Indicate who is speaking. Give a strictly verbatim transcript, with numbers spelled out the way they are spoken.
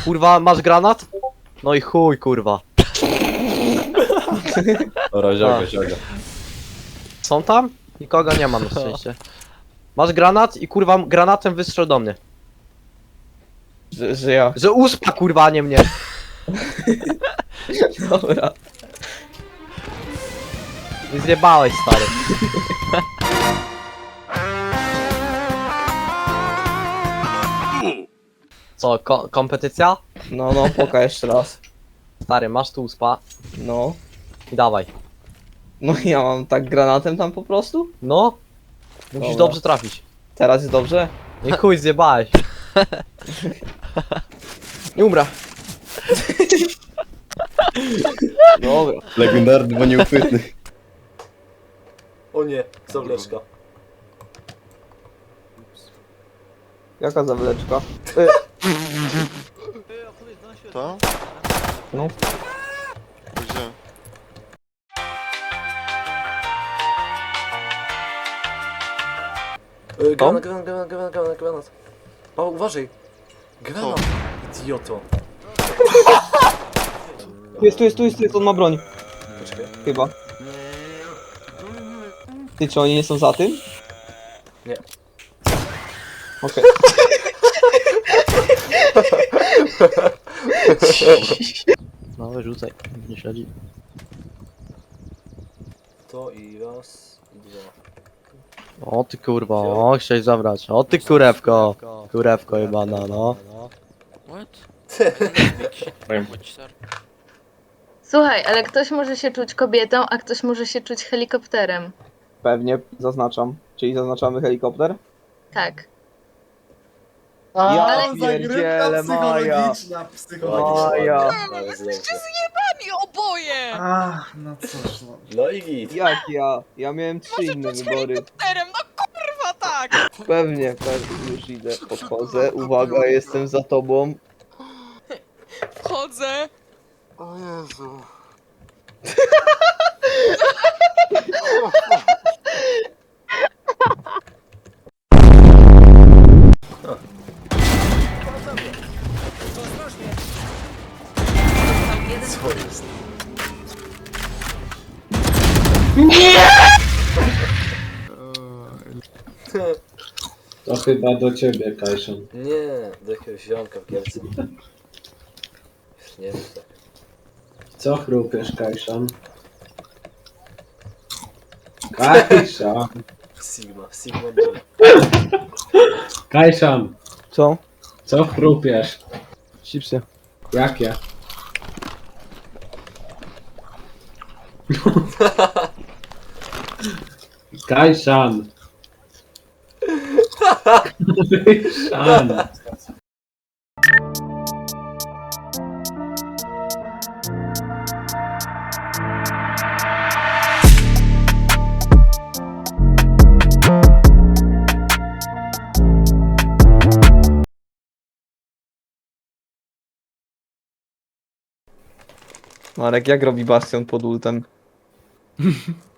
Speaker 1: Kurwa, masz granat? No i chuj, kurwa.
Speaker 2: Dobra, zioga,
Speaker 1: A.
Speaker 2: zioga.
Speaker 1: Są tam? Nikogo nie ma na szczęście. Masz granat i kurwa granatem wystrzel do mnie.
Speaker 3: Że, że ja.
Speaker 1: Że uspa kurwa, a nie mnie.
Speaker 3: Dobra.
Speaker 1: Nie zjebałeś, stary. Co, ko kompetycja?
Speaker 3: No, no, poka jeszcze raz.
Speaker 1: Stary, masz tu uspa
Speaker 3: No.
Speaker 1: i dawaj.
Speaker 3: No ja mam tak granatem tam po prostu?
Speaker 1: No. Musisz
Speaker 3: Dobra.
Speaker 1: dobrze trafić.
Speaker 3: Teraz jest dobrze?
Speaker 1: Nie chuj, zjebałeś.
Speaker 3: Nie umrę. Dobra.
Speaker 2: Legendarny, bo nieuchwytny.
Speaker 1: O nie, zawleczka.
Speaker 3: Jaka zawleczka?
Speaker 4: To?
Speaker 3: No.
Speaker 4: Gdzie?
Speaker 1: Granat, granat, granat, granat, granat, granat. O, uważaj. Granat. Idioto.
Speaker 3: Tu jest, tu jest, tu jest, tu jest, on ma broń.
Speaker 1: Poczekaj.
Speaker 3: Chyba. Ty, czy oni nie są za tym?
Speaker 1: Nie.
Speaker 3: Okej.
Speaker 1: No, wyrzucaj. Nie śledzi. To i raz, i dwa. O ty kurwa, o chciałeś zabrać. O ty kurewko. Kurewko jebana, no.
Speaker 5: What?
Speaker 6: Słuchaj, ale ktoś może się czuć kobietą, a ktoś może się czuć helikopterem.
Speaker 3: Pewnie, zaznaczam. Czyli zaznaczamy helikopter?
Speaker 6: Tak.
Speaker 3: Ja
Speaker 6: ale-
Speaker 3: pierdzielę, Maja.
Speaker 4: psychologiczna.
Speaker 3: Maja.
Speaker 5: I oboje!
Speaker 4: Ach, no cóż, no.
Speaker 1: No i git.
Speaker 3: Jak ja? Ja miałem trzy inne wybory.
Speaker 5: Terem, no kurwa tak!
Speaker 3: Pewnie, pewnie, już idę, podchodzę. Uwaga, jestem za tobą.
Speaker 5: Wchodzę.
Speaker 4: O Jezu.
Speaker 7: To chyba do ciebie, Kajszon.
Speaker 1: Nie, do jakiegoś ziomka w Kielce. Już nie wiem tak.
Speaker 7: Co chrupiesz, Kajszon? Kajszon!
Speaker 1: Sigma, Sigma boy.
Speaker 7: Kajszon!
Speaker 3: Co?
Speaker 7: Co chrupiesz?
Speaker 3: Chipsy.
Speaker 7: Jakie? Kajszan! Kajszan!
Speaker 3: Marek, jak robi Bastion pod ultem?